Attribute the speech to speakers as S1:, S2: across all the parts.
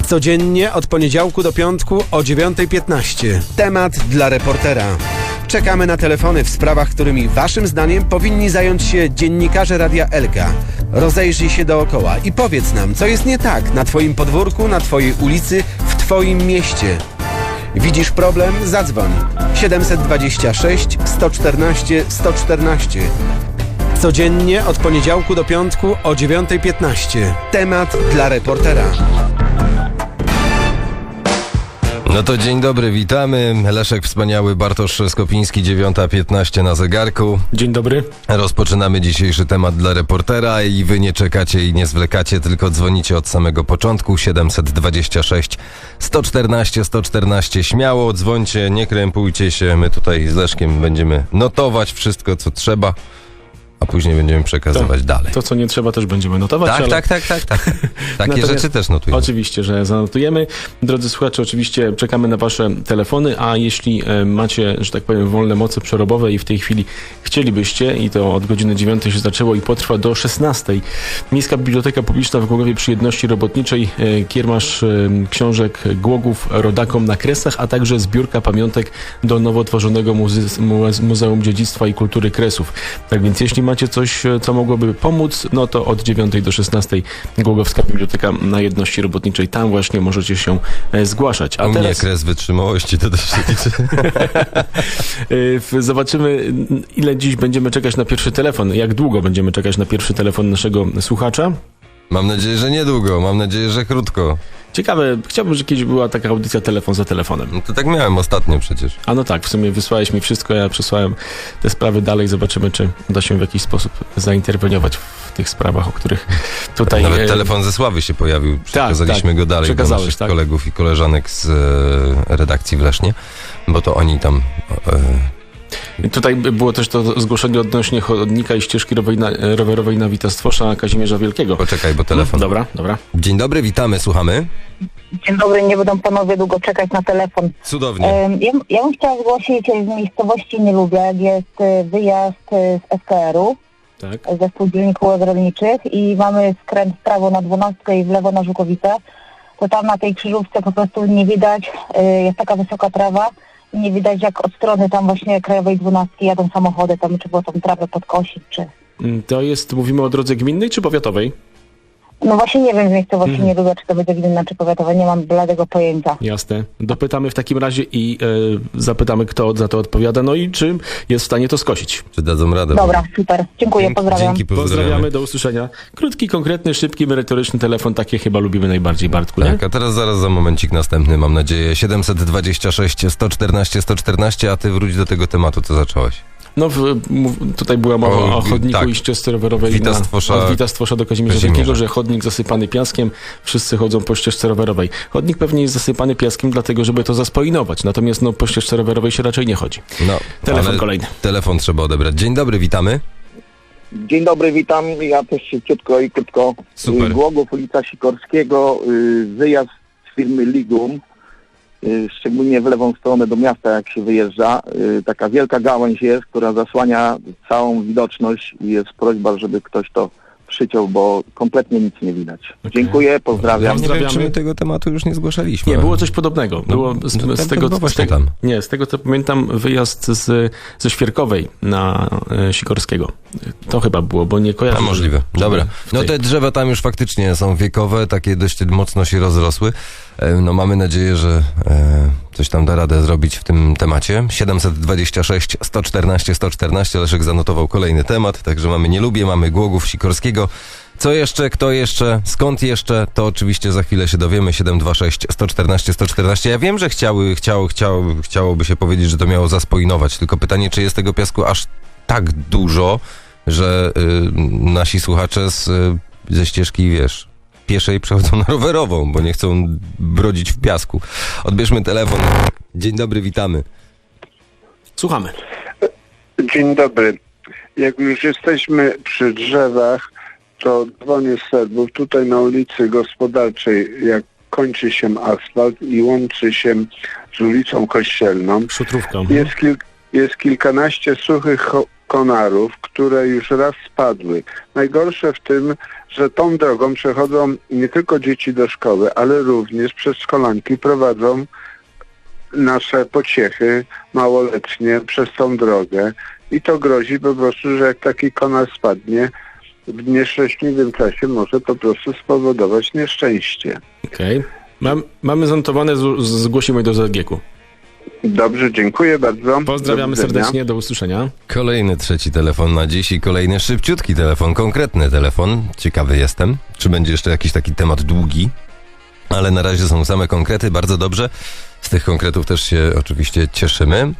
S1: Codziennie od poniedziałku do piątku o 9:15. Temat dla reportera. Czekamy na telefony w sprawach, którymi waszym zdaniem powinni zająć się dziennikarze Radia Elka. Rozejrzyj się dookoła i powiedz nam, co jest nie tak na twoim podwórku, na twojej ulicy, w twoim mieście. Widzisz problem? Zadzwoń. 726 114 114. Codziennie od poniedziałku do piątku o 9:15. Temat dla reportera.
S2: No to dzień dobry, witamy. Leszek Wspaniały, Bartosz Skopiński, 9:15 na zegarku.
S3: Dzień dobry.
S2: Rozpoczynamy dzisiejszy temat dla reportera i wy nie czekacie i nie zwlekacie, tylko dzwonicie od samego początku. 726 114 114. Śmiało dzwońcie, nie krępujcie się. My tutaj z Leszkiem będziemy notować wszystko, co trzeba, a później będziemy przekazywać dalej.
S3: To, co nie trzeba, też będziemy notować.
S2: Tak. Takie rzeczy też notujemy.
S3: Oczywiście, że zanotujemy. Drodzy słuchacze, oczywiście czekamy na wasze telefony, a jeśli macie, że tak powiem, wolne moce przerobowe i w tej chwili chcielibyście, i to od godziny 9 się zaczęło i potrwa do 16. Miejska Biblioteka Publiczna w Głogowie przy Jedności Robotniczej, kiermasz książek Głogów rodakom na Kresach, a także zbiórka pamiątek do nowo tworzonego Muzeum Dziedzictwa i Kultury Kresów. Tak więc jeśli macie coś, co mogłoby pomóc, no to od 9 do 16 Głogowska Biblioteka na Jedności Robotniczej. Tam właśnie możecie się zgłaszać. A
S2: u
S3: teraz
S2: mnie kres wytrzymałości to też się liczy.
S3: Zobaczymy, ile dziś będziemy czekać na pierwszy telefon. Jak długo będziemy czekać na pierwszy telefon naszego słuchacza?
S2: Mam nadzieję, że niedługo. Mam nadzieję, że krótko.
S3: Ciekawe, chciałbym, że kiedyś była taka audycja telefon za telefonem.
S2: No to tak miałem ostatnio przecież.
S3: A no tak, w sumie wysłałeś mi wszystko, ja przesłałem te sprawy dalej. Zobaczymy, czy uda się w jakiś sposób zainterweniować w tych sprawach, o których tutaj...
S2: Nawet telefon ze Sławy się pojawił. Przekazaliśmy go dalej do naszych kolegów i koleżanek z redakcji w Lesznie, bo to oni tam...
S3: Tutaj było też to zgłoszenie odnośnie chodnika i ścieżki rowerowej na Wita-Stwosza Kazimierza Wielkiego.
S2: Poczekaj, bo telefon...
S3: Dobra.
S2: Dzień dobry, witamy, słuchamy.
S4: Dzień dobry, nie będą panowie długo czekać na telefon.
S2: Cudownie.
S4: Ja bym chciała zgłosić z miejscowości Nielubiak, jest wyjazd z SKR-u,
S3: tak,
S4: ze spółdzielni kółek rolniczych i mamy skręt w prawo na 12 i w lewo na Żukowice. To tam na tej krzyżówce po prostu nie widać, jest taka wysoka trawa i nie widać, jak od strony tam właśnie Krajowej 12 jadą samochody, tam czy było tą trawę podkosić, czy...
S3: To jest, mówimy o drodze gminnej czy powiatowej?
S4: No właśnie nie wiem z miejscowości Nielubiak, czy to będzie gminna, czy powiatowa, nie mam bladego pojęcia.
S3: Jasne. Dopytamy w takim razie i zapytamy, kto za to odpowiada, no i czy jest w stanie to skosić.
S2: Czy dadzą radę?
S4: Dobra, super. Dziękuję, pozdrawiam.
S2: Dzięki,
S3: Pozdrawiamy, do usłyszenia. Krótki, konkretny, szybki, merytoryczny telefon, takie chyba lubimy najbardziej, Bartku, nie?
S2: Tak, a teraz zaraz za momencik następny, mam nadzieję. 726 114 114, a ty wróć do tego tematu, co zacząłeś.
S3: No, tutaj była mowa o chodniku
S2: tak,
S3: i ścieżce rowerowej
S2: od
S3: Wita-Stwosza do Kazimierza Wielkiego, że chodnik zasypany piaskiem, wszyscy chodzą po ścieżce rowerowej. Chodnik pewnie jest zasypany piaskiem dlatego, żeby to zaspoilinować, natomiast no, po ścieżce rowerowej się raczej nie chodzi.
S2: No,
S3: telefon kolejny.
S2: Telefon trzeba odebrać. Dzień dobry, witamy.
S5: Dzień dobry, witam. Ja też szybciutko i krótko.
S2: Super.
S5: Głogów, ulica Sikorskiego, wyjazd z firmy Ligum, szczególnie w lewą stronę do miasta, jak się wyjeżdża. Taka wielka gałęź jest, która zasłania całą widoczność i jest prośba, żeby ktoś to przyciął, bo kompletnie nic nie widać.
S3: Okay.
S5: Dziękuję, pozdrawiam.
S2: Nie wiem, czy my tego tematu już nie zgłaszaliśmy.
S3: Nie, było coś podobnego. Było z tego, co pamiętam, wyjazd ze Świerkowej na Sikorskiego. To chyba było, bo nie kojarzę.
S2: A możliwe. Dobra. No te drzewa tam już faktycznie są wiekowe, takie dość mocno się rozrosły. No mamy nadzieję, że coś tam da radę zrobić w tym temacie. 726 114 114. Leszek zanotował kolejny temat, także mamy Nielubię, mamy Głogów Sikorskiego. Co jeszcze, kto jeszcze, skąd jeszcze, to oczywiście za chwilę się dowiemy. 726 114 114. Ja wiem, że chciałoby się powiedzieć, że to miało zaspoilinować, tylko pytanie, czy jest tego piasku aż tak dużo, że nasi słuchacze ze ścieżki, wiesz, pieszej przechodzą na rowerową, bo nie chcą brodzić w piasku. Odbierzmy telefon. Dzień dobry, witamy.
S3: Słuchamy.
S6: Dzień dobry. Jak już jesteśmy przy drzewach, to dzwonię z Serbów. Tutaj na ulicy Gospodarczej, jak kończy się asfalt i łączy się z ulicą Kościelną,
S3: Szutrówką.
S6: Jest kilkanaście suchych konarów, które już raz spadły. Najgorsze w tym, że tą drogą przechodzą nie tylko dzieci do szkoły, ale również przedszkolanki prowadzą nasze pociechy małoletnie przez tą drogę i to grozi po prostu, że jak taki konar spadnie w nieszczęśliwym czasie, może po prostu spowodować nieszczęście.
S3: Okej. Mamy zanotowane, zgłosimy do ZGK-u.
S6: Dobrze, dziękuję bardzo.
S3: Pozdrawiamy
S6: Do widzenia.
S3: serdecznie, do usłyszenia.
S2: Kolejny trzeci telefon na dziś i kolejny szybciutki telefon, konkretny telefon. Ciekawy jestem, czy będzie jeszcze jakiś taki temat długi, ale na razie są same konkrety, bardzo dobrze. Z tych konkretów też się oczywiście cieszymy.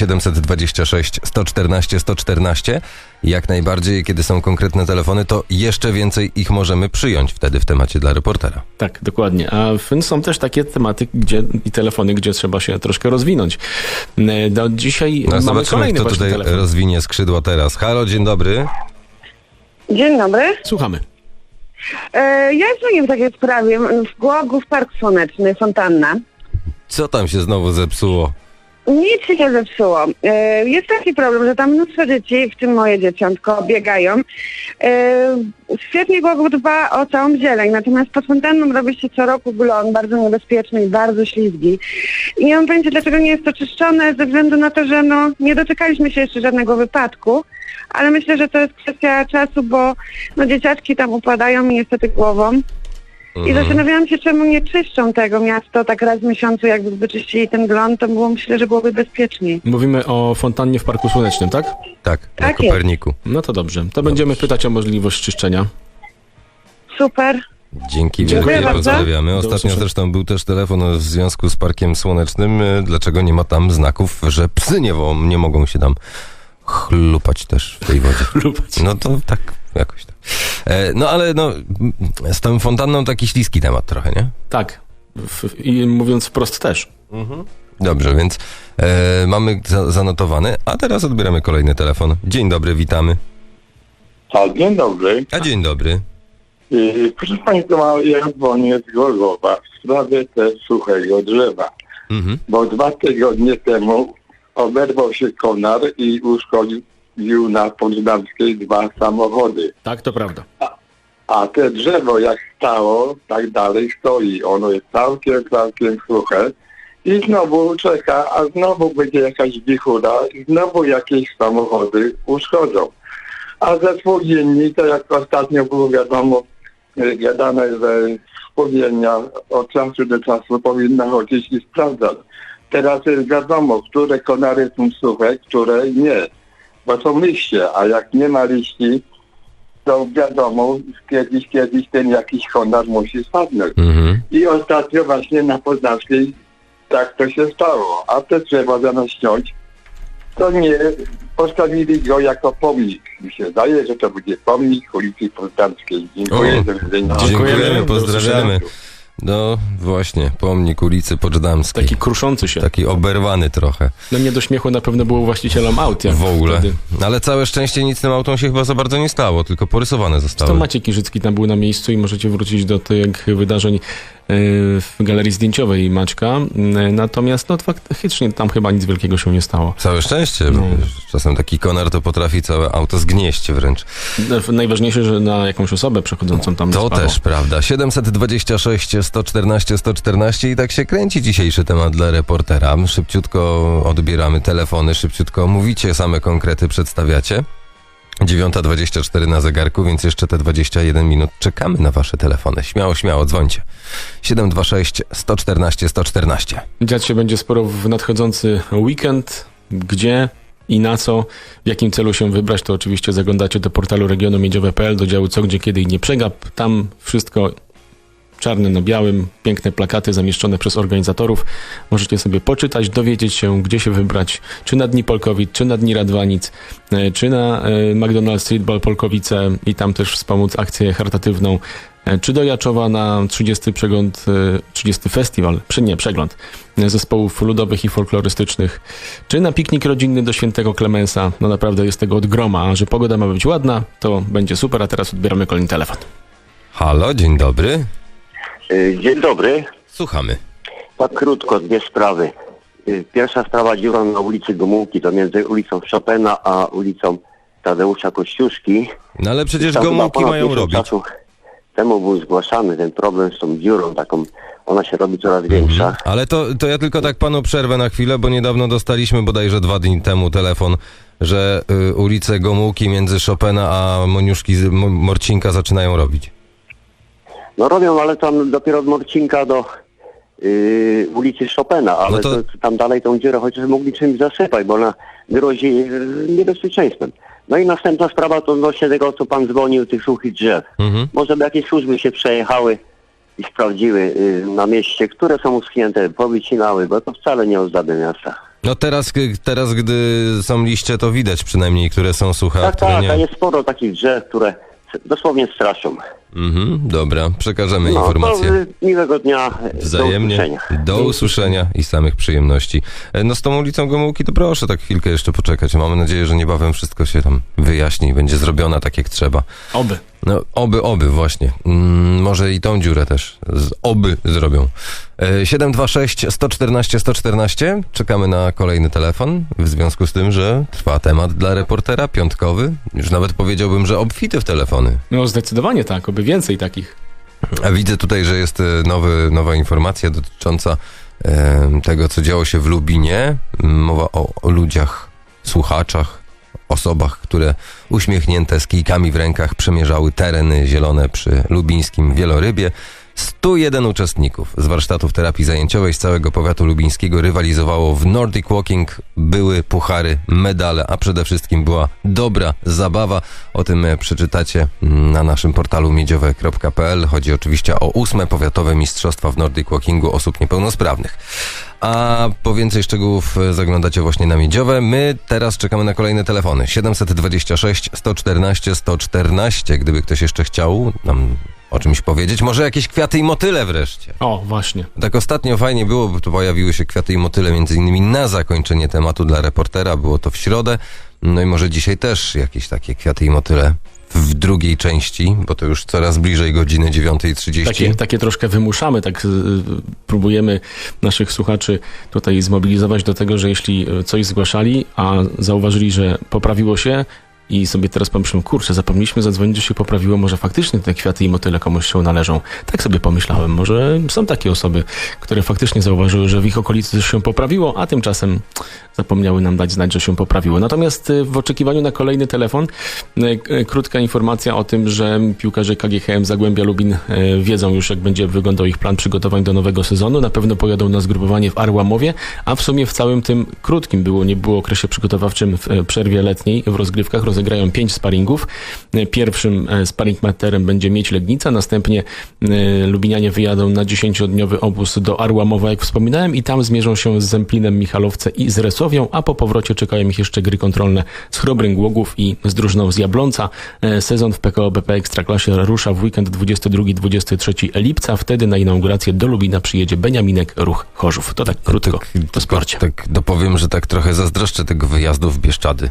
S2: 726 114 114. Jak najbardziej, kiedy są konkretne telefony, to jeszcze więcej ich możemy przyjąć wtedy w temacie dla reportera.
S3: Tak, dokładnie. A są też takie tematy i telefony, gdzie trzeba się troszkę rozwinąć. Dzisiaj
S2: No,
S3: mamy
S2: zobaczymy,
S3: kolejny
S2: kto
S3: właśnie
S2: tutaj
S3: telefon.
S2: rozwinie skrzydła teraz. Halo, dzień dobry.
S7: Dzień dobry.
S3: Słuchamy.
S7: Ja dzwonię w takiej sprawie. W Głogów Park Słoneczny, fontanna.
S2: Co tam się znowu zepsuło?
S7: Nic się nie zepsuło. Jest taki problem, że tam mnóstwo dzieci, w tym moje dzieciątko, biegają. Świetnie Głogów dba o całą zieleń, natomiast pod fontanną robi się co roku glon, bardzo niebezpieczny i bardzo ślizgi. I nie mam pojęcia, dlaczego nie jest to czyszczone, ze względu na to, że nie doczekaliśmy się jeszcze żadnego wypadku, ale myślę, że to jest kwestia czasu, bo dzieciaczki tam upadają i niestety głową. I zastanawiałam się, czemu nie czyszczą tego miasto tak raz w miesiącu, jakby wyczyścili ten glon, to myślę, że byłoby bezpieczniej.
S3: Mówimy o fontannie w Parku Słonecznym, tak?
S2: Tak, na
S7: Tak jest.
S2: Koperniku.
S3: No to dobrze. To będziemy pytać o możliwość czyszczenia.
S7: Super.
S2: Dzięki
S3: Dziękuję
S2: wielkie,
S7: bardzo.
S2: pozdrawiamy.
S3: Do
S2: Ostatnio
S3: usłyszenia.
S2: zresztą był też telefon w związku z Parkiem Słonecznym. Dlaczego nie ma tam znaków, że psy nie mogą się tam chlupać też w tej wodzie?
S3: Chlupać.
S2: No to tak, jakoś tak. No ale z tą fontanną taki śliski temat trochę, nie?
S3: Tak. I mówiąc wprost też.
S2: Dobrze, więc mamy zanotowany, a teraz odbieramy kolejny telefon. Dzień dobry, witamy.
S8: Dzień dobry.
S2: A dzień dobry.
S8: Proszę Państwa, ja dzwonię z Gorzowa w sprawie też suchego drzewa. Bo 2 tygodnie temu oberwał się konar i uszkodził na Poczdamskiej 2 samochody.
S3: Tak, to prawda.
S8: A te drzewo jak stało, tak dalej stoi. Ono jest całkiem suche. I znowu czeka, a znowu będzie jakaś wichura i znowu jakieś samochody uszkodzą. A ze spółdzielni, to jak ostatnio było wiadomo, gadane, że spółdzielnia od czasu do czasu powinna chodzić i sprawdzać. Teraz jest wiadomo, które konary są suche, które nie. Bo są liście, a jak nie ma liści, to wiadomo, kiedyś ten jakiś konar musi spadnąć. I ostatnio właśnie na Poznanskiej tak to się stało. A te drzewa zamiast ściąć, to nie postawili go jako pomnik. Mi się zdaje, że to będzie pomnik ulicy Poznańskiej. Dziękuję. Do widzenia.
S2: Dziękujemy,
S3: Do
S2: pozdrawiamy. No właśnie, pomnik ulicy Poczdamskiej.
S3: Taki kruszący się.
S2: Taki oberwany trochę
S3: No nie do śmiechu na pewno było właścicielom aut. Jak
S2: w ogóle.
S3: Wtedy.
S2: Ale całe szczęście nic tym autom się chyba za bardzo nie stało, tylko porysowane
S3: To
S2: zostały.
S3: Maciej Kirzycki tam był na miejscu i możecie wrócić do tych wydarzeń w galerii zdjęciowej Maćka. Natomiast faktycznie tam chyba nic wielkiego się nie stało.
S2: Całe szczęście, bo czasem taki konar to potrafi całe auto zgnieść wręcz.
S3: Najważniejsze, że na jakąś osobę przechodzącą tam nie
S2: To
S3: spadło.
S2: też prawda. 726 114 114 i tak się kręci dzisiejszy temat dla reportera. Szybciutko odbieramy telefony, szybciutko mówicie, same konkrety przedstawiacie. 9:24 na zegarku, więc jeszcze te 21 minut czekamy na wasze telefony. Śmiało, dzwońcie. 726 114 114.
S3: Dziać się będzie sporo w nadchodzący weekend. Gdzie i na co, w jakim celu się wybrać, to oczywiście zaglądacie do portalu regionumiedziowe.pl, do działu Co, Gdzie, Kiedy i Nie Przegap. Tam wszystko czarne na białym, piękne plakaty zamieszczone przez organizatorów. Możecie sobie poczytać, dowiedzieć się, gdzie się wybrać, czy na Dni Polkowic, czy na Dni Radwanic, czy na McDonald's Streetball Polkowice i tam też wspomóc akcję charytatywną, czy do Jaczowa na 30 przegląd zespołów ludowych i folklorystycznych, czy na piknik rodzinny do Świętego Klemensa. No naprawdę jest tego od groma, a że pogoda ma być ładna, to będzie super, a teraz odbieramy kolejny telefon.
S2: Halo, dzień dobry.
S9: Dzień dobry.
S2: Słuchamy.
S9: Tak krótko, 2 sprawy. Pierwsza sprawa, dziura na ulicy Gomułki, to między ulicą Chopina a ulicą Tadeusza Kościuszki.
S2: No ale przecież
S9: Tam chyba
S2: Gomułki
S9: ponad
S2: mają
S9: miesiąc
S2: robić.
S9: czasu temu był zgłaszany ten problem z tą dziurą taką, ona się robi coraz większa.
S2: Ale to ja tylko tak panu przerwę na chwilę, bo niedawno dostaliśmy bodajże 2 dni temu telefon, że ulice Gomułki między Chopina a Moniuszki Morcinka zaczynają robić.
S9: No robią, ale tam dopiero od Morcinka do ulicy Chopina, ale
S2: No to
S9: tam dalej tą dziurę chociaż mogli czymś zasypać, bo ona grozi niebezpieczeństwem. No i następna sprawa to odnośnie tego, co pan dzwonił, tych suchych drzew. Może by jakieś służby się przejechały i sprawdziły na mieście, które są uschnięte, powycinały, bo to wcale nie ozdabia miasta.
S2: No teraz, gdy są liście, to widać przynajmniej, które są suche, a które
S9: Tak,
S2: nie.
S9: a jest sporo takich drzew, które dosłownie straszą.
S2: Dobra, przekażemy informację.
S9: To miłego dnia,
S2: Wzajemnie.
S9: do usłyszenia.
S2: Do usłyszenia i samych przyjemności. No z tą ulicą Gomułki to proszę tak chwilkę jeszcze poczekać. Mamy nadzieję, że niebawem wszystko się tam wyjaśni i będzie zrobiona tak jak trzeba.
S3: Oby.
S2: No oby właśnie. Może i tą dziurę też oby zrobią. 726 114 114. Czekamy na kolejny telefon w związku z tym, że trwa temat dla reportera piątkowy. Już nawet powiedziałbym, że obfity w telefony.
S3: No zdecydowanie tak, oby więcej takich.
S2: A widzę tutaj, że jest nowa informacja dotycząca tego, co działo się w Lubinie. Mowa o ludziach, słuchaczach, osobach, które uśmiechnięte z kijkami w rękach przemierzały tereny zielone przy lubińskim Wielorybie. 101 uczestników z warsztatów terapii zajęciowej z całego powiatu lubińskiego rywalizowało w Nordic Walking. Były puchary, medale, a przede wszystkim była dobra zabawa. O tym przeczytacie na naszym portalu miedziowe.pl. Chodzi oczywiście o 8. Powiatowe Mistrzostwa w Nordic Walkingu osób niepełnosprawnych. A po więcej szczegółów zaglądacie właśnie na Miedziowe. My teraz czekamy na kolejne telefony. 726 114 114. Gdyby ktoś jeszcze chciał nam o czymś powiedzieć. Może jakieś kwiaty i motyle wreszcie.
S3: O, właśnie.
S2: Tak ostatnio fajnie było, bo tu pojawiły się kwiaty i motyle między innymi na zakończenie tematu dla reportera. Było to w środę. No i może dzisiaj też jakieś takie kwiaty i motyle w drugiej części, bo to już coraz bliżej godziny 9:30.
S3: Takie troszkę wymuszamy, tak próbujemy naszych słuchaczy tutaj zmobilizować do tego, że jeśli coś zgłaszali, a zauważyli, że poprawiło się i sobie teraz pomyślałem, kurczę, zapomnieliśmy zadzwonić, że się poprawiło, może faktycznie te kwiaty i motyle komuś się należą. Tak sobie pomyślałem, może są takie osoby, które faktycznie zauważyły, że w ich okolicy coś się poprawiło, a tymczasem zapomniały nam dać znać, że się poprawiło. Natomiast w oczekiwaniu na kolejny telefon, krótka informacja o tym, że piłkarze KGHM Zagłębia Lubin wiedzą już, jak będzie wyglądał ich plan przygotowań do nowego sezonu. Na pewno pojadą na zgrupowanie w Arłamowie, a w sumie w całym tym krótkim nie było okresie przygotowawczym w przerwie letniej w rozgrywkach rozegrają 5 sparingów. Pierwszym sparing materem będzie Miedź Legnica, następnie Lubinianie wyjadą na 10-dniowy obóz do Arłamowa, jak wspominałem, i tam zmierzą się z Zemplinem Michalowce i z Resowią, a po powrocie czekają ich jeszcze gry kontrolne z Chrobrym Głogów i z drużyną z Jablonca. Sezon w PKO BP Ekstraklasie rusza w weekend 22-23 lipca. Wtedy na inaugurację do Lubina przyjedzie Beniaminek Ruch Chorzów. To tak krótko o sporcie.
S2: Tak dopowiem, że tak trochę zazdroszczę tego wyjazdu w Bieszczady.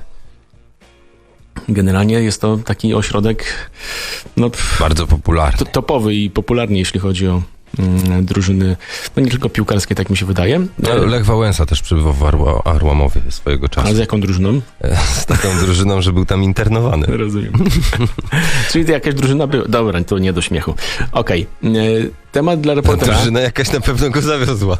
S3: Generalnie jest to taki ośrodek
S2: bardzo popularny.
S3: Topowy i popularny, jeśli chodzi o drużyny, no nie tylko piłkarskie, tak mi się wydaje.
S2: Lech Wałęsa też przebywał w Arłamowie swojego czasu.
S3: A z jaką drużyną?
S2: Z taką drużyną, że był tam internowany.
S3: Rozumiem. Czyli to jakaś drużyna była. Dobra, to nie do śmiechu. Okej. Temat dla reportera.
S2: Drużyna jakaś na pewno go zawiozła.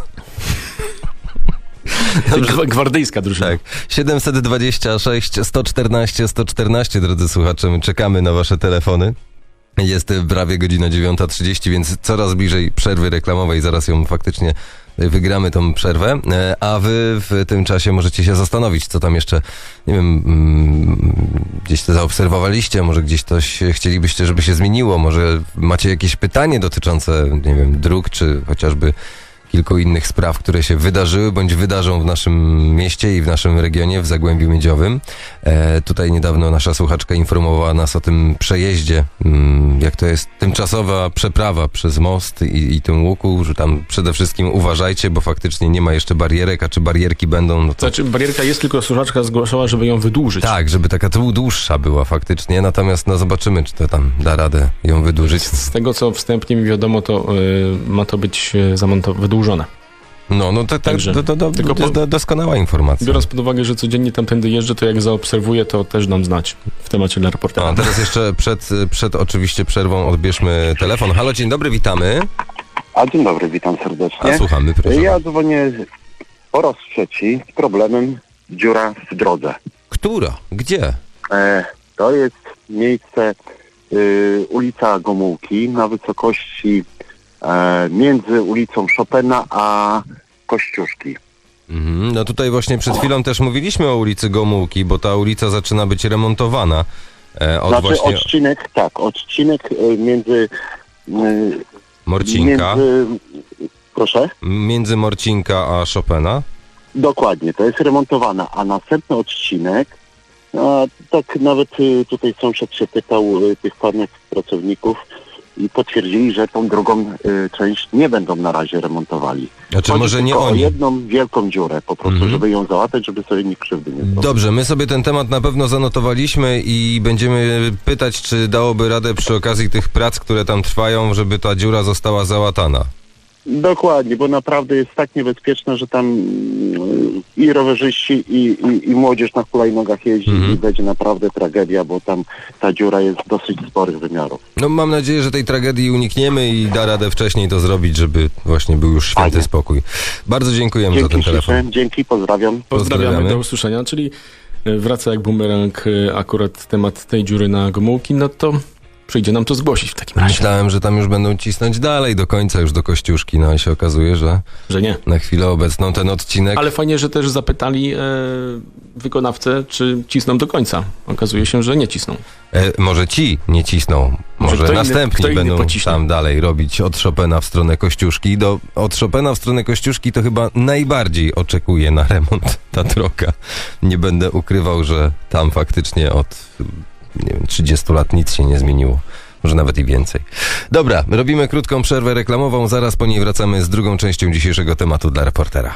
S3: Gwardyjska drużyna.
S2: Tak. 726 114 114, drodzy słuchacze, my czekamy na wasze telefony. Jest prawie godzina 9:30, więc coraz bliżej przerwy reklamowej. Zaraz ją faktycznie wygramy, tą przerwę. A wy w tym czasie możecie się zastanowić, co tam jeszcze, nie wiem, gdzieś to zaobserwowaliście, może gdzieś coś chcielibyście, żeby się zmieniło, może macie jakieś pytanie dotyczące, nie wiem, dróg, czy chociażby kilku innych spraw, które się wydarzyły, bądź wydarzą w naszym mieście i w naszym regionie, w Zagłębiu Miedziowym. Tutaj niedawno nasza słuchaczka informowała nas o tym przejeździe, jak to jest tymczasowa przeprawa przez most i tym łuku, że tam przede wszystkim uważajcie, bo faktycznie nie ma jeszcze barierek, a czy barierki będą... No to...
S3: Znaczy barierka jest, tylko słuchaczka zgłaszała, żeby ją wydłużyć.
S2: Tak, żeby taka dłuższa była faktycznie, natomiast no zobaczymy, czy to tam da radę ją wydłużyć.
S3: Z tego, co wstępnie mi wiadomo, to ma to być wydłużone. Także tylko
S2: to jest doskonała informacja.
S3: Biorąc pod uwagę, że codziennie tamtędy jeżdżę, to jak zaobserwuję, to też dam znać w temacie dla reportera.
S2: A teraz jeszcze przed oczywiście przerwą odbierzmy telefon. Halo, dzień dobry, witamy.
S10: A dzień dobry, witam serdecznie.
S2: A słuchamy, proszę.
S10: Ja dzwonię po raz trzeci z problemem dziura w drodze.
S2: Która? Gdzie?
S10: To jest miejsce ulica Gomułki na wysokości między ulicą Chopina a Kościuszki.
S2: No tutaj właśnie przed chwilą też mówiliśmy o ulicy Gomułki, bo ta ulica zaczyna być remontowana.
S10: Odcinek między...
S2: Morcinka.
S10: Proszę?
S2: Między Morcinka a Chopina.
S10: Dokładnie, to jest remontowana, a następny odcinek, tak nawet tutaj sąsiad się pytał tych panów pracowników i potwierdzili, że tą drugą część nie będą na razie remontowali.
S2: Znaczy
S10: Chodzi
S2: może nie
S10: tylko
S2: oni.
S10: o jedną wielką dziurę po prostu, żeby ją załatać, żeby sobie nikt krzywdy nie zrobił.
S2: Dobrze, my sobie ten temat na pewno zanotowaliśmy i będziemy pytać, czy dałoby radę przy okazji tych prac, które tam trwają, żeby ta dziura została załatana.
S10: Dokładnie, bo naprawdę jest tak niebezpieczne, że tam i rowerzyści, i młodzież na hulajnogach jeździ i będzie naprawdę tragedia, bo tam ta dziura jest dosyć sporych wymiarów.
S2: No mam nadzieję, że tej tragedii unikniemy i da radę wcześniej to zrobić, żeby właśnie był już święty spokój. Bardzo dziękujemy za ten telefon.
S10: Dzięki, pozdrawiam.
S3: Pozdrawiamy, do usłyszenia, czyli wraca jak bumerang akurat temat tej dziury na Gomułki, no to przyjdzie nam to zgłosić w takim razie.
S2: Myślałem, że tam już będą cisnąć dalej do końca, już do Kościuszki, no i się okazuje, że
S3: nie.
S2: Na chwilę obecną ten odcinek...
S3: Ale fajnie, że też zapytali wykonawcę, czy cisną do końca. Okazuje się, że nie cisną.
S2: Może ci nie cisną, może następni będą tam dalej robić od Chopina w stronę Kościuszki. Od Chopina w stronę Kościuszki to chyba najbardziej oczekuje na remont ta droga. Nie będę ukrywał, że tam faktycznie od 30 lat nic się nie zmieniło. Może nawet i więcej. Dobra, robimy krótką przerwę reklamową, zaraz po niej wracamy z drugą częścią dzisiejszego tematu dla reportera.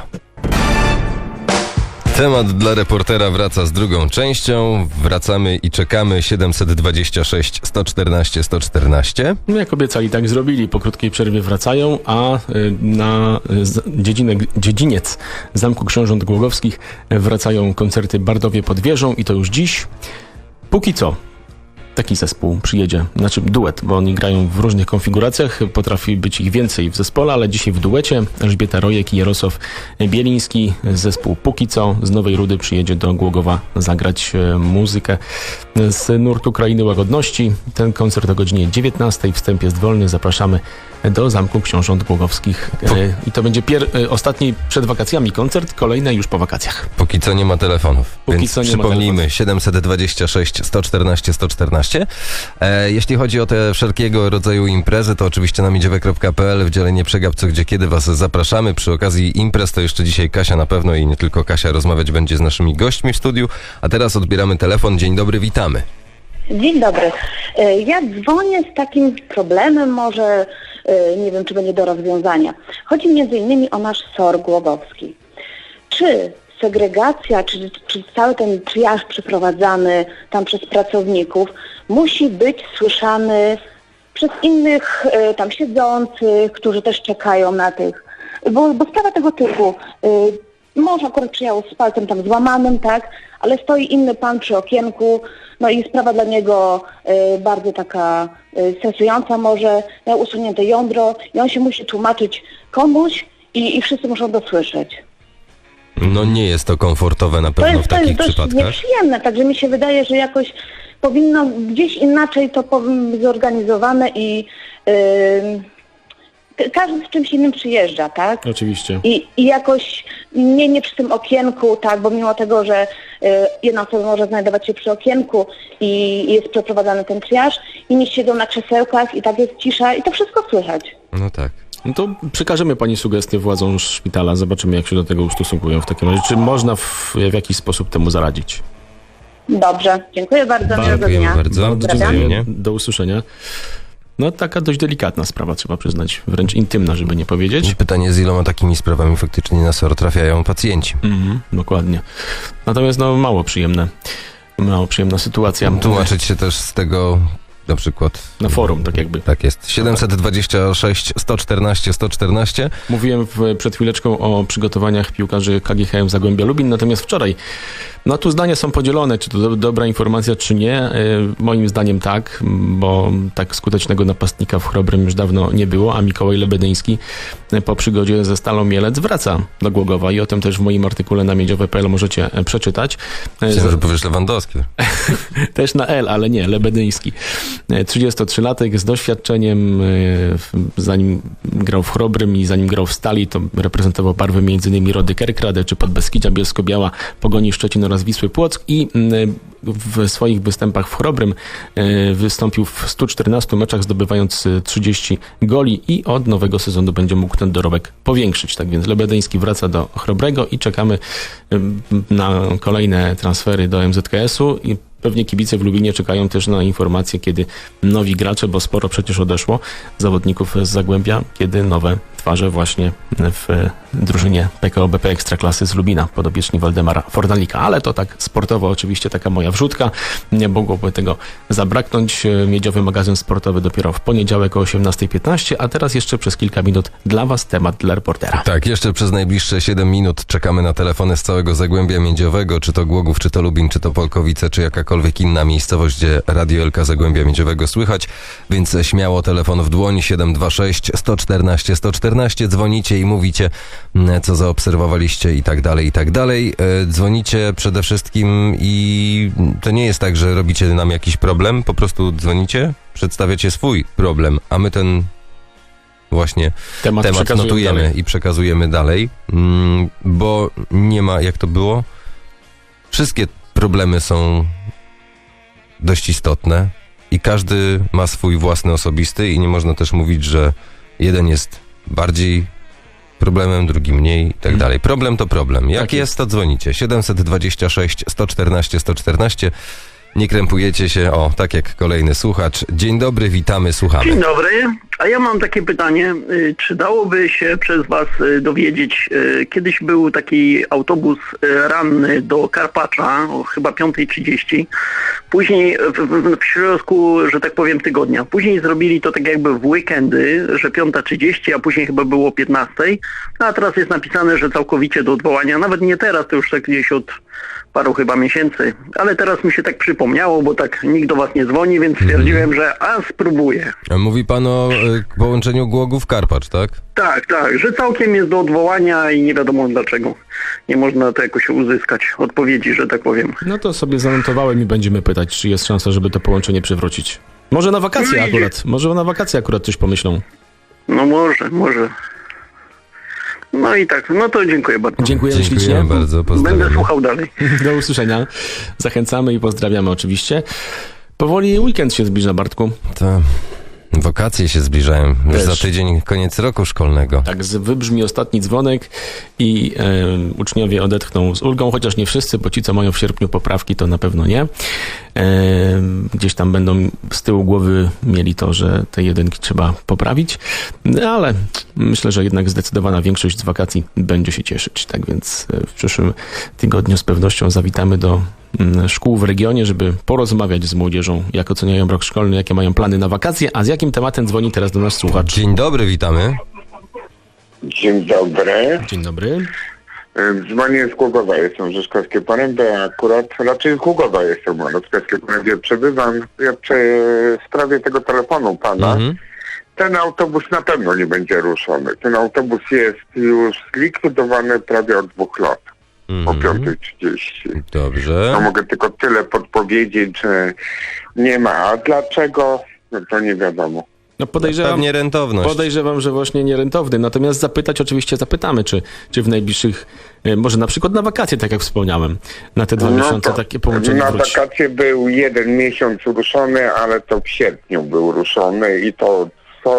S2: Temat dla reportera wraca z drugą częścią. Wracamy i czekamy. 726 114 114.
S3: No jak obiecali, tak zrobili. Po krótkiej przerwie wracają, a na dziedziniec Zamku Książąt Głogowskich wracają koncerty Bardowie pod wieżą i to już dziś. Póki co taki zespół przyjedzie, znaczy duet, bo oni grają w różnych konfiguracjach, potrafi być ich więcej w zespole, ale dzisiaj w duecie Elżbieta Rojek i Jarosław Bieliński. Zespół Póki co z Nowej Rudy przyjedzie do Głogowa zagrać muzykę z nurtu Krainy Łagodności. Ten koncert o godzinie 19. Wstęp jest wolny, zapraszamy do Zamku Książąt Głogowskich i to będzie ostatni przed wakacjami koncert, kolejne już po wakacjach.
S2: Póki co nie ma telefonów, więc przypomnijmy 726 114 114. Jeśli chodzi o te wszelkiego rodzaju imprezy, to oczywiście na miedziowe.pl w dziale Nie przegap co gdzie kiedy was zapraszamy. Przy okazji imprez to jeszcze dzisiaj Kasia na pewno i nie tylko Kasia rozmawiać będzie z naszymi gośćmi w studiu, a teraz odbieramy telefon. Dzień dobry, witamy.
S11: Dzień dobry. Ja dzwonię z takim problemem, może nie wiem, czy będzie do rozwiązania. Chodzi m.in. o nasz SOR Głogowski. Czy segregacja, czy cały ten triaż przeprowadzany tam przez pracowników musi być słyszany przez innych tam siedzących, którzy też czekają na tych, bo sprawa tego typu, mąż akurat przyjechał z palcem tam złamanym, tak, ale stoi inny pan przy okienku, no i sprawa dla niego bardzo taka stresująca może, miał usunięte jądro i on się musi tłumaczyć komuś i wszyscy muszą dosłyszeć.
S2: No nie jest to komfortowe na pewno w takich przypadkach.
S11: To jest nieprzyjemne, także mi się wydaje, że jakoś powinno gdzieś inaczej to być zorganizowane i każdy z czymś innym przyjeżdża, tak?
S3: Oczywiście.
S11: I jakoś nie przy tym okienku, tak, bo mimo tego, że jedna osoba może znajdować się przy okienku i jest przeprowadzany ten triaż, inni siedzą na krzesełkach i tak jest cisza i to wszystko słychać.
S2: No tak.
S3: No to przekażemy pani sugestię władzom szpitala, zobaczymy jak się do tego ustosunkują w takim razie. Czy można w jakiś sposób temu zaradzić?
S11: Dobrze, dziękuję bardzo, miłego dnia.
S2: Bardzo dziękuję.
S3: Do usłyszenia. No taka dość delikatna sprawa, trzeba przyznać, wręcz intymna, żeby nie powiedzieć.
S2: Pytanie, z iloma takimi sprawami faktycznie na SOR trafiają pacjenci.
S3: Dokładnie. Natomiast no mało przyjemna sytuacja.
S2: Tłumaczyć się też z tego na przykład.
S3: Na forum, tak jakby.
S2: Tak jest. 726 114 114.
S3: Mówiłem przed chwileczką o przygotowaniach piłkarzy KGHM Zagłębia Lubin, natomiast wczoraj, no tu zdania są podzielone, czy to dobra informacja, czy nie. Moim zdaniem tak, bo tak skutecznego napastnika w Chrobrym już dawno nie było, a Mikołaj Lebedyński po przygodzie ze Stalą Mielec wraca do Głogowa i o tym też w moim artykule na miedziowe.pl możecie przeczytać.
S2: Myślę, że powiesz Lewandowski.
S3: Też na L, ale nie, Lebedyński. 33-latek z doświadczeniem, zanim grał w Chrobrym i zanim grał w Stali, to reprezentował barwy m.in. Rody Kerkrade czy Podbeskidzia, Bielsko-Biała, Pogoni Szczecin oraz Wisły Płock i w swoich występach w Chrobrym wystąpił w 114 meczach, zdobywając 30 goli i od nowego sezonu będzie mógł ten dorobek powiększyć. Tak więc Lebedyński wraca do Chrobrego i czekamy na kolejne transfery do MZKS-u i pewnie kibice w Lubinie czekają też na informacje, kiedy nowi gracze, bo sporo przecież odeszło zawodników z Zagłębia, kiedy nowe twarze właśnie w drużynie PKO BP Ekstraklasy z Lubina, podopieczni Waldemara Fornalika. Ale to tak sportowo oczywiście taka moja wrzutka. Nie mogłoby tego zabraknąć. Miedziowy magazyn sportowy dopiero w poniedziałek o 18:15, a teraz jeszcze przez kilka minut dla Was temat dla reportera.
S2: Tak, jeszcze przez najbliższe 7 minut czekamy na telefony z całego Zagłębia Miedziowego, czy to Głogów, czy to Lubin, czy to Polkowice, czy jakakolwiek inna miejscowość, gdzie Radio Elka Zagłębia Miedziowego słychać, więc śmiało telefon w dłoń 726 114 114, dzwonicie i mówicie, co zaobserwowaliście i tak dalej, i tak dalej. Dzwonicie przede wszystkim i to nie jest tak, że robicie nam jakiś problem, po prostu dzwonicie, przedstawiacie swój problem, a my ten właśnie temat notujemy dalej i przekazujemy dalej, bo nie ma, jak to było, wszystkie problemy są dość istotne i każdy ma swój własny osobisty i nie można też mówić, że jeden jest bardziej problemem, drugi mniej i tak dalej. Problem to problem. Jak jest, to dzwonicie. 726 114 114. Nie krępujecie się. O, tak jak kolejny słuchacz. Dzień dobry, witamy, słuchamy.
S12: Dzień dobry. A ja mam takie pytanie. Czy dałoby się przez Was dowiedzieć, kiedyś był taki autobus ranny do Karpacza, chyba 5:30. Później w środku, że tak powiem, tygodnia. Później zrobili to tak jakby w weekendy, że 5:30, a później chyba było 15:00. A teraz jest napisane, że całkowicie do odwołania. Nawet nie teraz, to już tak gdzieś od paru chyba miesięcy. Ale teraz mi się tak przypomniało, bo tak nikt do Was nie dzwoni, więc stwierdziłem, że spróbuję.
S2: Mówi Pan o połączeniu Głogów-Karpacz, tak?
S12: Tak, że całkiem jest do odwołania i nie wiadomo dlaczego. Nie można to jakoś uzyskać odpowiedzi, że tak powiem.
S3: No to sobie zanotowałem i będziemy pytać, czy jest szansa, żeby to połączenie przywrócić. Może na wakacje akurat. Może na wakacje akurat coś pomyślą.
S12: No może. No i tak, no to dziękuję bardzo.
S3: Dziękujemy ślicznie.
S2: Bardzo, pozdrawiamy.
S12: Będę słuchał dalej.
S3: Do usłyszenia. Zachęcamy i pozdrawiamy oczywiście. Powoli weekend się zbliża, Bartku.
S2: To wakacje się zbliżają. Już za tydzień koniec roku szkolnego.
S3: Tak, wybrzmi ostatni dzwonek i uczniowie odetchną z ulgą, chociaż nie wszyscy, bo ci, co mają w sierpniu poprawki, to na pewno nie. Gdzieś tam będą z tyłu głowy mieli to, że te jedynki trzeba poprawić, ale myślę, że jednak zdecydowana większość z wakacji będzie się cieszyć. Tak więc w przyszłym tygodniu z pewnością zawitamy do szkół w regionie, żeby porozmawiać z młodzieżą, jak oceniają rok szkolny, jakie mają plany na wakacje, a z jakim tematem dzwoni teraz do nas słuchacz.
S2: Dzień dobry, witamy.
S8: Dzień dobry.
S3: Dzień dobry.
S8: Dzwonię z Głogowa, jestem w Rzeszkowskiej Porębie, akurat raczej z Głogowa jestem, bo w Rzeszkowskiej Porębie przebywam. Ja w sprawie tego telefonu pana, ten autobus na pewno nie będzie ruszony. Ten autobus jest już zlikwidowany prawie od 2 lat. O 5:30.
S2: Dobrze.
S8: To mogę tylko tyle podpowiedzieć, że nie ma. A dlaczego? No to nie wiadomo.
S3: No
S2: pewnie rentowność.
S3: Podejrzewam, że właśnie nierentowny. Natomiast zapytać oczywiście zapytamy, czy w najbliższych, może na przykład na wakacje, tak jak wspomniałem, na te 2 miesiące takie połączenie
S8: na
S3: wróci.
S8: wakacje był 1 miesiąc ruszony, ale to w sierpniu był ruszony i to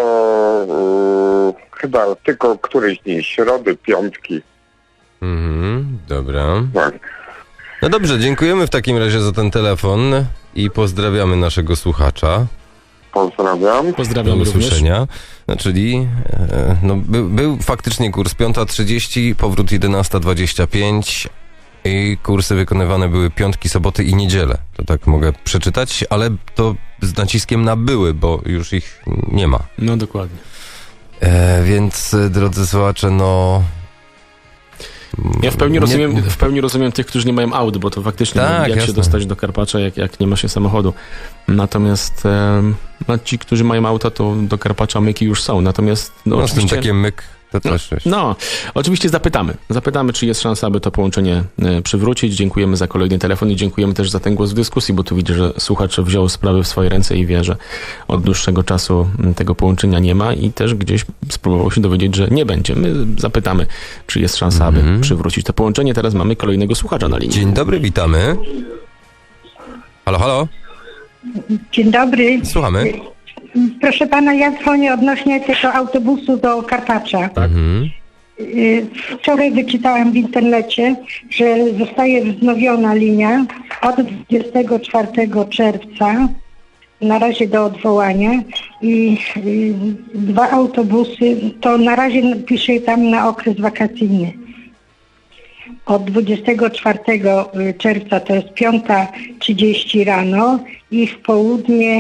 S8: chyba tylko któryś dni, środy, piątki.
S2: Dobra.
S8: Tak.
S2: No dobrze, dziękujemy w takim razie za ten telefon i pozdrawiamy naszego słuchacza.
S8: Pozdrawiam.
S3: Pozdrawiam
S2: do
S3: również.
S2: usłyszenia. No, czyli był faktycznie kurs 5:30, powrót 11:25. i kursy wykonywane były piątki, soboty i niedzielę. To tak mogę przeczytać, ale to z naciskiem na były, bo już ich nie ma.
S3: No dokładnie.
S2: Więc, drodzy słuchacze, no...
S3: Ja w pełni rozumiem tych, którzy nie mają aut, bo to faktycznie jak jasne. Się dostać do Karpacza, jak nie ma się samochodu. Natomiast ci, którzy mają auta, to do Karpacza myki już są. Natomiast
S2: z tym takie myk to też.
S3: Oczywiście zapytamy, czy jest szansa, aby to połączenie przywrócić. Dziękujemy za kolejny telefon i dziękujemy też za ten głos w dyskusji, bo tu widzę, że słuchacz wziął sprawy w swoje ręce i wie, że od dłuższego czasu tego połączenia nie ma i też gdzieś spróbował się dowiedzieć, że nie będzie. My zapytamy, czy jest szansa, aby przywrócić to połączenie. Teraz mamy kolejnego słuchacza na linii.
S2: Dzień dobry, witamy. Halo, halo.
S13: Dzień dobry.
S2: Słuchamy.
S13: Proszę pana, ja dzwonię odnośnie tego autobusu do Karpacza. Tak. Wczoraj wyczytałam w internecie, że zostaje wznowiona linia od 24 czerwca, na razie do odwołania i 2 autobusy, to na razie pisze tam na okres wakacyjny. Od 24 czerwca to jest 5:30 rano i w południe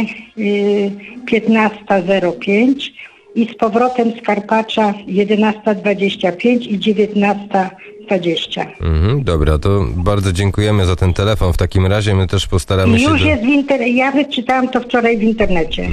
S13: 15:05 i z powrotem z Karpacza 11:25 i 19:20.
S2: Dobra, to bardzo dziękujemy za ten telefon. W takim razie my też postaramy się...
S13: Już jest ja wyczytałam to wczoraj w internecie.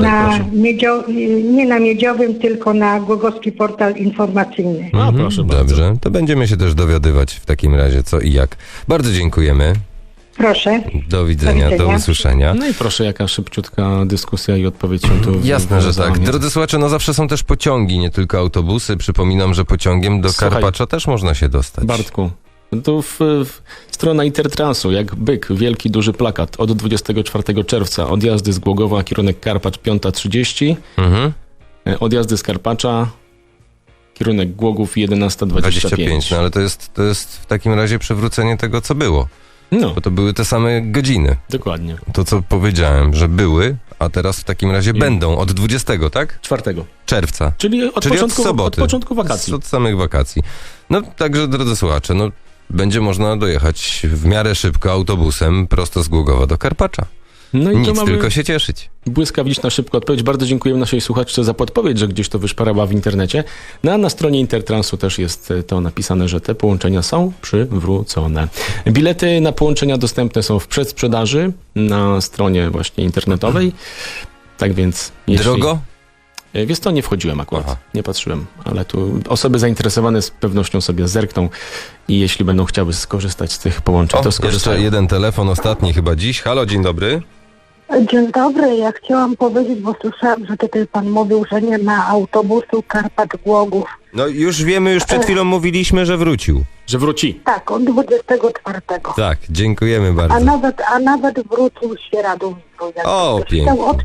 S13: Nie na Miedziowym, tylko na Głogowski Portal Informacyjny.
S2: Proszę bardzo. Dobrze, to będziemy się też dowiadywać w takim razie co i jak. Bardzo dziękujemy.
S13: Proszę.
S2: Do widzenia, do usłyszenia.
S3: No i proszę, jaka szybciutka dyskusja i odpowiedź się tu...
S2: Jasne, że tak. Drodzy słuchacze, zawsze są też pociągi, nie tylko autobusy. Przypominam, że pociągiem do Karpacza też można się dostać.
S3: Bartku, tu strona Intertransu, jak byk, wielki, duży plakat. Od 24 czerwca odjazdy z Głogowa, kierunek Karpacz 5:30. Odjazdy z Karpacza, kierunek Głogów 11:25.
S2: No ale to jest w takim razie przywrócenie tego, co było. Bo to były te same godziny.
S3: Dokładnie.
S2: To, co powiedziałem, że były, a teraz w takim razie będą od 20, tak?
S3: 4
S2: czerwca.
S3: Czyli od
S2: soboty.
S3: Od początku wakacji.
S2: Od samych wakacji. No, także, drodzy słuchacze, będzie można dojechać w miarę szybko autobusem prosto z Głogowa do Karpacza. No i nic, tylko się cieszyć.
S3: Błyskawiczna, szybka odpowiedź. Bardzo dziękujemy naszej słuchaczce za podpowiedź, że gdzieś to wyszparała w internecie. Na stronie Intertransu też jest to napisane, że te połączenia są przywrócone. Bilety na połączenia dostępne są w przedsprzedaży na stronie właśnie internetowej. Tak więc...
S2: Drogo?
S3: Wiesz co, nie wchodziłem akurat, nie patrzyłem, ale tu osoby zainteresowane z pewnością sobie zerkną i jeśli będą chciały skorzystać z tych połączeń, to skorzystają.
S2: Jeszcze jeden telefon, ostatni chyba dziś. Halo, dzień dobry.
S14: Dzień dobry, ja chciałam powiedzieć, bo słyszałam, że tutaj pan mówił, że nie ma autobusu Karpacz-Głogów.
S2: No już wiemy, już przed chwilą mówiliśmy, że wrócił.
S3: Że wróci.
S14: Tak, od 24.
S2: Tak, dziękujemy bardzo.
S14: A nawet wrócił Świeradowicu.
S2: Pięknie.
S14: Od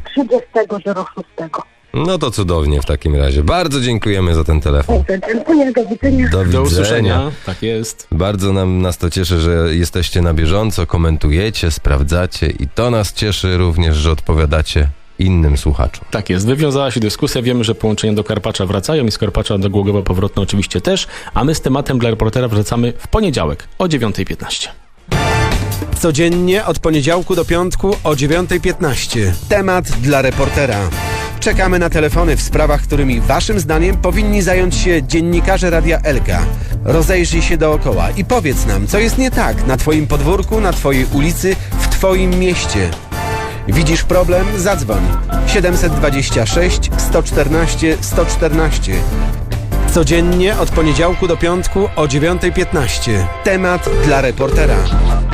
S14: 30.06.
S2: No to cudownie w takim razie. Bardzo dziękujemy za ten telefon.
S14: Dziękuję, do widzenia.
S2: Do
S3: usłyszenia. Tak jest.
S2: Bardzo nas to cieszy, że jesteście na bieżąco, komentujecie, sprawdzacie i to nas cieszy również, że odpowiadacie innym słuchaczom.
S3: Tak jest. Wywiązała się dyskusja. Wiemy, że połączenia do Karpacza wracają i z Karpacza do Głogowa powrotne oczywiście też, a my z tematem dla reportera wracamy w poniedziałek o 9:15.
S1: Codziennie od poniedziałku do piątku o 9:15. Temat dla reportera. Czekamy na telefony w sprawach, którymi waszym zdaniem powinni zająć się dziennikarze Radia Elka. Rozejrzyj się dookoła i powiedz nam, co jest nie tak na twoim podwórku, na twojej ulicy, w twoim mieście. Widzisz problem? Zadzwoń. 726 114 114. Codziennie od poniedziałku do piątku o 9:15. Temat dla reportera.